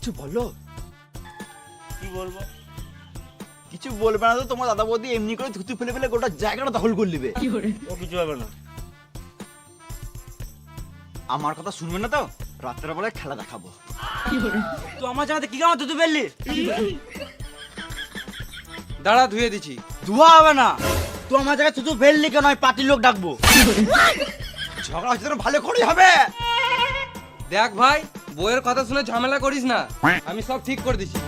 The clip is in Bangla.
কিছু বলো। কি বলবো? কিছু বলবে না তো, তোমার দাদা বৌদি এমনি করে থুতু ফেলে ফেলে গোটা জায়গাটা দখল করে নেবে। ও কিছু হবে না। আমার কথা শুনবে না তো, রাত্রের বেলায় খেলা দেখাবো। তুই আমার জায়গাতে কি কামাতে তুই ফেললি? দাঁড়া, ধুয়ে দিছি। ধোয়া হবে না, তুই আমার জায়গায় থুতু ফেললি কেন? আমি পার্টির লোক ডাকবো। ঝগড়া হচ্ছে ভালো করেই হবে। দেখ ভাই, বইয়ের কথা শুনে ঝামেলা করিস না, আমি সব ঠিক করে দিছি।